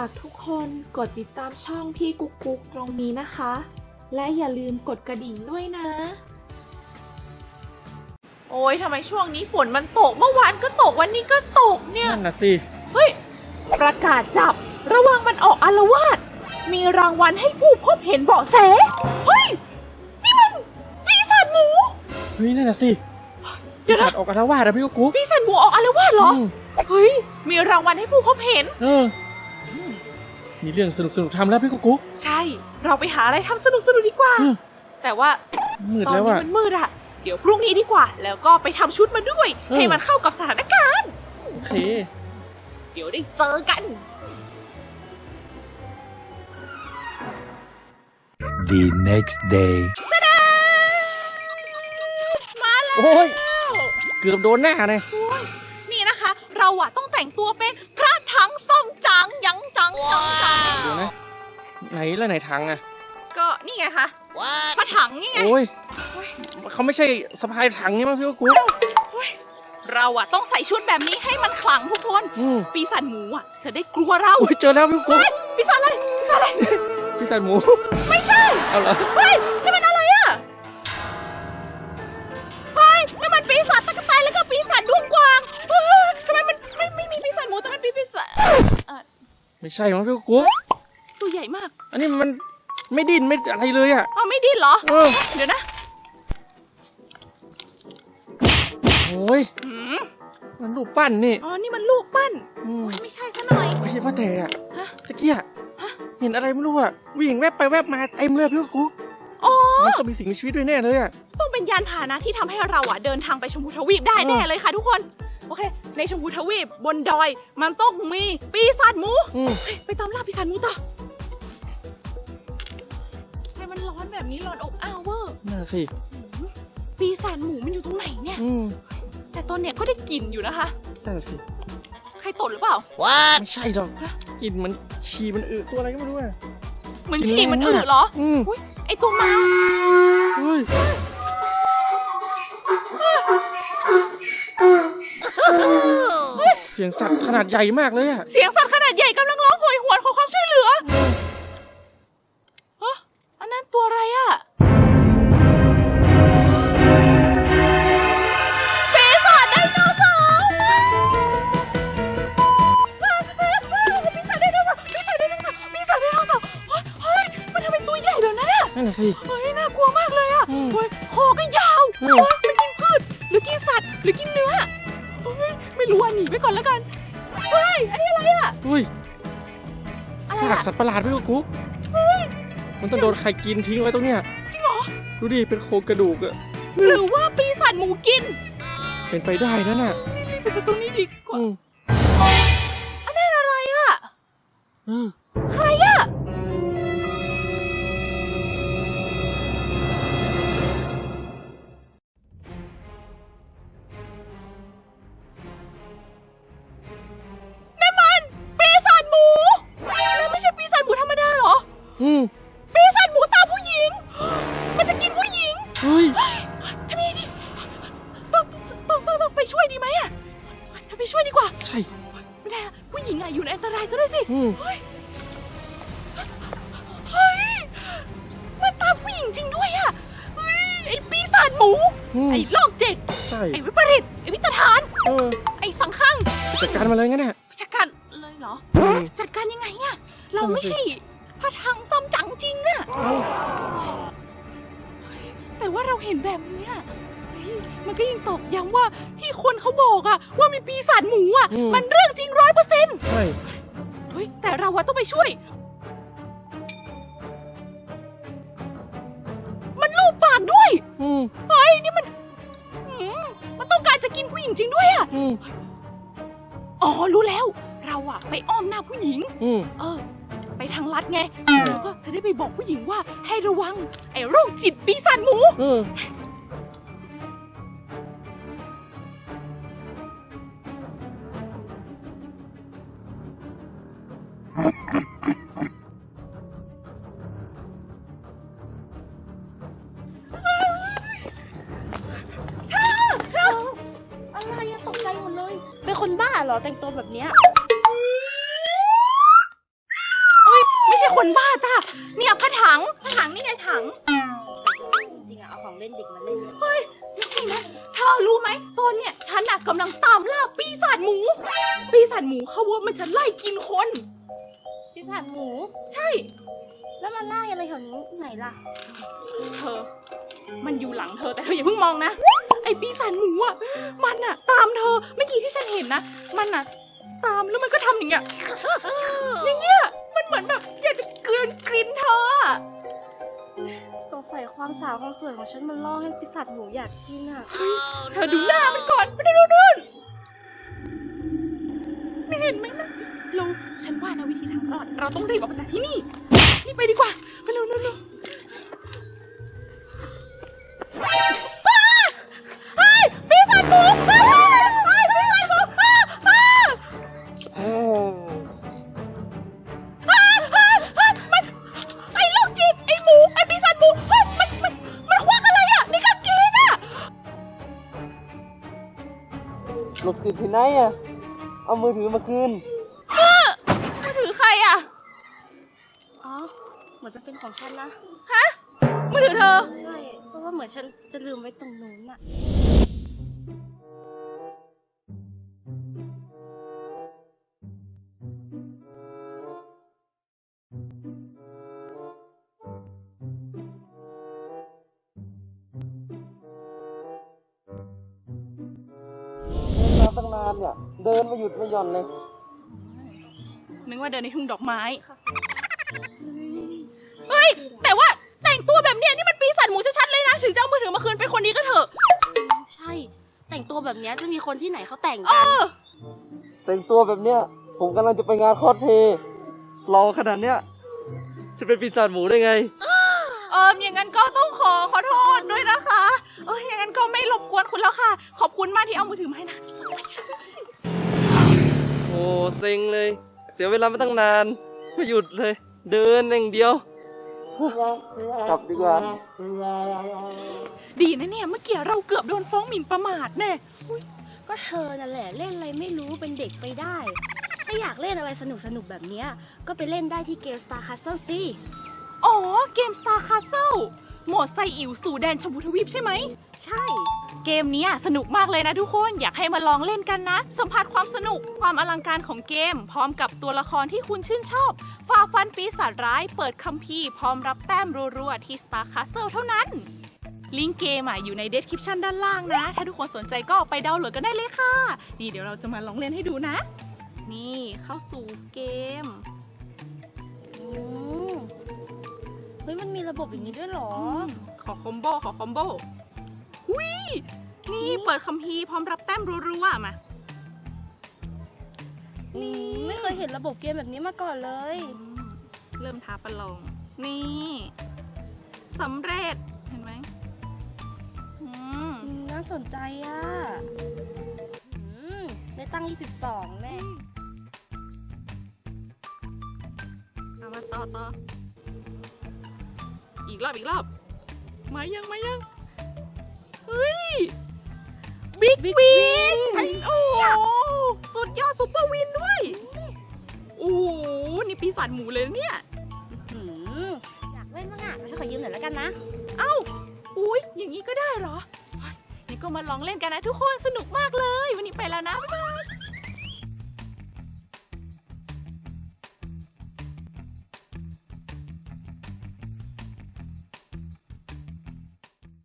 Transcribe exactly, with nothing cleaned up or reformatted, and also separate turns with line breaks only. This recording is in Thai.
ากทุกคนกดติดตามช่องพี่กุ๊กกุ๊กตรงนี้นะคะ และอย่าลืมกดกระดิ่งด้วยนะโอ้ยทำไมช่วงนี้ฝนมันตกเมื่อวานก็ตกวันนี้ก็ตกเนี่ย
นั่นน่ะสิ
เฮ้ยประกาศจับระวังมันออกอาละวาดมีรางวัลให้ผู้พบเห็นเบาะแสเฮ้ยนี่มันปีศาจหมู
เฮ้ยนั่นน่ะสิปีศาจออกอาละวาดอะพี่กุ๊กกุ๊ก
ปีศาจหมูออกอาละวาดเหรอเฮ้ยมีรางวัลให้ผู้พบเห็น
เออมีเรื่องสนุกสนุกทำแล้วพี่กุ๊กกุ๊ก
ใช่เราไปหาอะไรทำสนุกสนุกดีกว่าแต่ว่าตอนนี้มันมืดอะเดี๋ยวพรุ่งนี้ดีกว่าแล้วก็ไปทำชุดมาด้วยให้มันเข้ากับสถานการณ์
โอเค
เดี๋ยวได้เจอกัน
The next day
มาแล้ว
โอ้ยเกือบโดนหน้าเลย
นี่นะคะเราอะต้องแต่งตัวเป็นพระถังส้มจังยังจังจังจัง
เดี๋ยวนะไหนแล้วไหนถังอะ
ก็นี่ไงคะพระถังนี่ไง
โอ้ยเขาไม่ใช่สะพายถังนี่มั้งพี่กุ๊กกุ๊ก
เราอะต้องใส่ชุดแบบนี้ให้มันขลังทุกคนปีศาจหมูอะจะได้กลัวเรา
เจอแล้วพี่กุ๊ก
ปีศาจอะไรปีศาจอะไร
ปีศาจหมู
ไม่ใช่
เอาเหรอ
เฮ้ยนี่มันอะไรอะเฮ้ยนี่มันปีศาจตะกั่วแตนแล้วก็ปีศาจดวงกวางทำไมมันไม่ไม่มีปีศาจหมูแต่มันปีศาจ
ไม่ใช่มั้งพี่กุ๊กกุ๊ก
ตัวใหญ่มาก
อันนี้มันไม่ดิ้นไม่อะไรเลยอะ
อ๋อไม่ดิ้นเหรอเดี๋ยวนะ
โอ้ยมันลูกปั้นนี่
อ๋อนี่มันลูกปั้นไม่ใช่ซะหน่อย
ไม่ใช่พ่อแต่อะตะเกียเห็นอะไรไม่รู้อะวิ่งแวบไปแวบมาเต็มเลยพี่กุ๊ก
อ๋อ
มันต้องมีสิ่งมีชีวิตด้วยแน่เลยอะ
ต้องเป็นยานพาหนะที่ทำให้เราอะเดินทางไปชมพูทวีปได้แน่เลยค่ะทุกคนโอเคในชมพูทวีปบนดอยมันต้องมีปีศาจหมูไปตามล่าปีศาจหมูต่อทำไมมันร้อนแบบนี้ร้อนอบอ้าวเวอร์
น่าสิ
ปีศาจหมูมันอยู่ตรงไหนเนี่ยแต่ตอนเนี้ยก็ได้กลิ่นอยู่นะคะ
นั่นสิ
ใครตดหรือเปล่า
ไม่ใช่หรอกกลิ่นมันฉี่มันอึตัวอะไรก็ไม่รู้อะ
เหมือนฉี่มันอึเหรออุ้ยไอตัวมา
เฮ้ยเสียงสัตว์ขนาดใหญ่มากเลยอะ
เสียงสัตว์ขนาดใหญ่กำลังร้องโหยหวนขอความช่วยเหลือฮะอันนั้นตัวอะไรอะปีศาจไดโนเสาร์ปีศาจไดโนเสาร์ปีศาจไดโนเสาร์ปีศาจไดโนเสาร์เฮ้ยมันทำเป็นตัวใหญ่เลยนะเนี่ย
นั่นสิ
เฮ้ยน่ากลัวมากเลยอะเฮ้ยคอก็ยาวเฮ้ยมันกินพืชหรือกินสัตว์หรือกินเนื้อเฮ้ยไม่รู้อ่ะหนีไปก่อนแล้วกันเฮ้ยอันนี้อะไรอ่ะ
เฮ้ยซากสัตว์ประหลาดพี่กุ๊กกุ๊กมันต้องโดนใครกินทิ้งไว้ตรงเนี้ย
จริงเหรอ
ดูดิเป็นโครงกระดูกอะ
หรือว่าปีศาจหมูกิน
เป็นไปได้นั่นน่ะ
ไปจากตรงนี้ดีกว่าอันนั้นอะไรอ่ะใครอ่ะปีศาจหมูตาผู้หญิงมันจะกินผู้หญิง
เฮ้ย
ทำไงดีต้องต้องต้องต้องไปช่วยดีไหมอ่ะไปช่วยดีกว่า
ใช่
ไม่ได้ผู้หญิงอ่ะอยู่ในอันตรายซะด้วยสิเฮ้ยเฮ้ยมันตาผู้หญิงจริงด้วยอ่ะเฮ้ยไอปีศาจหมูไอโรคจิตไอวิปริตไอวิตฐานไอสังขัง
จัดการมาเลยงั้นเนี่ย
จัดการเลยเหรอจัดการยังไงอ่ะเราไม่ใช่พระถังซ้ำจังจริงน่ะแต่ว่าเราเห็นแบบนี้มันก็ยังตอกย้ำว่าที่คนเขาบอกอะว่ามีปีศาจหมูอะมันเรื่องจริงร้อยเปอร์เซ็นต์
ใช่
เฮ้ยแต่เราอะต้องไปช่วยมันลูบปากด้วยเฮ้ยนี่มันมันต้องการจะกินผู้หญิงจริงด้วยอะอ๋อรู้แล้วเราอะไปอ้อมหน้าผู้หญิงเออไปทางลัดไงแล้วก็จะได้ไปบอกผู้หญิงว่าให้ระวังไอ้โรคจิตปีศาจหมูเธอเธออะไรอะตกใจหมดเลยเป็นคนบ้าเหรอแต่งตัวแบบเนี้ยคนบ้าจ้ะเนี่ยผ้าถังผ้าถังนี่ไงถัง
จริงๆอะเอาของเล่นเด็กมาเล่น
เฮ้ยไม่ใช่นะเธอรู้ไหมตอนเนี่ยฉันอะกำลังตามล่าปีศาจหมู ปีศาจหมูเขาว่ามันจะไล่กินคน
ปีศาจหมู
ใช่
แล้วมันไล่อะไรแถวนี้ไหนล่ะ
เธอ มันอยู่หลังเธอแต่เธออย่าเพิ่งมองนะไอปีศาจหมูอะมันอะตามเธอเมื่อกี้ที่ฉันเห็นนะมันอะตามแล้วมันก็ทำอย่างเงี้ยอย่างเงี้ยมันเหมือนแบบอยากจะกลืนกลินเธออะ
สงสัยความสาวความสวยของฉันมันล่อให้ปีศาจหมูอยากกินอะ
เธอดูหน้ามันก่อนไม่ได้ดูนู่นไม่เห็นไหมนะเราฉันว่านะวิธีทางรอดเราต้องรีบออกมาจากที่นี่นี่ไปดีกว่าไปเร็วเร็วเร็วเฮ้ยปีศาจหมูเฮ้ยปีศาจหมูอ้าอ้าอ้าอ้าอ้ามันไอ้โรคจิตไอ้หมูไอ้ปีศาจหมูเฮ้ยมันมันมันควักอะไรอ่ะในกางเกงอ่ะ
หลบจิตที่ไหนอ่ะ เอามือถือมาคืน
มือถือใครอ่ะ
อ๋อเหมือนจะเป็นของฉันนะ
ฮะมือถือเธอ
ใช่เพราะว่าเหมือนฉันจะลืมไว้ตรงนู้นอะ
เดินมาตั้งนานเนี่ย เดินมาหยุดไม่หย่อนเลย
นึกว่าเดินในทุ่งดอกไม้ เฮ้ย แต่ว่าแต่งตัวแบบเนี้ยนี่มันปีศาจหมูชัดๆเลยนะ ถึงจะเอามือถือมาคืนไปคนนี้ก็เถอะ
ใช่ แต่งตัวแบบเนี้ยจะมีคนที่ไหนเขาแต่ง
เอ
กัน
อ
แต่งตัวแบบเนี้ย ผมกำลังจะไปงานคอสเพลย์รอขนาดเนี้ย จะเป็นปีศาจหมูได้ไง
เอออย่างนั้นก็ต้องขอขอโทษด้วยนะคะ เอออย่างนั้นก็ไม่รบกวนคุณแล้วค่ะ ขอบคุณมากที่เอามือถือมาให้นะ
โอ้เซ็งเลย เสียเวลามาตั้งนาน ไม่หยุดเลย เดินอย่างเดียว กลับดีกว่า
ดีนะเนี่ยเมื่อกี้เราเกือบโดนฟ้องหมิ่นประมาทแน่
ก็เธอนั่นแหละเล่นอะไรไม่รู้เป็นเด็กไปได้ ถ้าอยากเล่นอะไรสนุกสนุกๆแบบเนี้ยก็ไปเล่นได้ที่เกม Star Castle สิ
อ๋อ เกม Star Castle โหมดไซอิ๋วสู่แดนชมพูทวีปใช่ไหม
ใช่
เกมนี้สนุกมากเลยนะทุกคน อยากให้มาลองเล่นกันนะ สัมผัสความสนุกความอลังการของเกม พร้อมกับตัวละครที่คุณชื่นชอบฝ่าฟันปีศาจร้าย เปิดคัมภีร์พร้อมรับแต้มรัวๆที่ Star Castle เท่านั้น ลิงก์เกมอ่ะอยู่ใน description ด้านล่างนะ ถ้าทุกคนสนใจก็ไปดาวน์โหลดกันได้เลยค่ะ นี่เดี๋ยวเราจะมาลองเล่นให้ดูนะ นี่เข้าสู่เกม
อืมเฮ้ยมันมีระบบอย่างนี้ด้วยเหรอ
ขอคอมโบขอคอมโบหุยนี่เปิดคัมภีร์พร้อมรับแต้มรัวๆมา
นี่ไม่เคยเห็นระบบเกมแบบนี้มาก่อนเลย
เริ่มท้าประลอง นี่สำเร็จ เห็นไหมอืม
อืมน่าสนใจอ่ะอืมได้ตั้งยี่สิบสองแน่
เอามาต่อต่อ อีกรอบอีกรอบ มายังมายัง เฮ้ย บิ๊กวิน โอ้โหสุดยอดซุปเปอร์วินด้วย โอ้โห นี่ปีศาจหมูเลยนะเนี่ย
อืมอยากเล่นบ้างอ่ะฉันขอยืมหน่อยแล้วกันนะ
เอ้า อุ้ยอย่างนี้ก็ได้เหรอเฮ้ยนี่ก็มาลองเล่นกันนะทุกคน สนุกมากเลย วันนี้ไปแล้วนะ บ๊ายบาย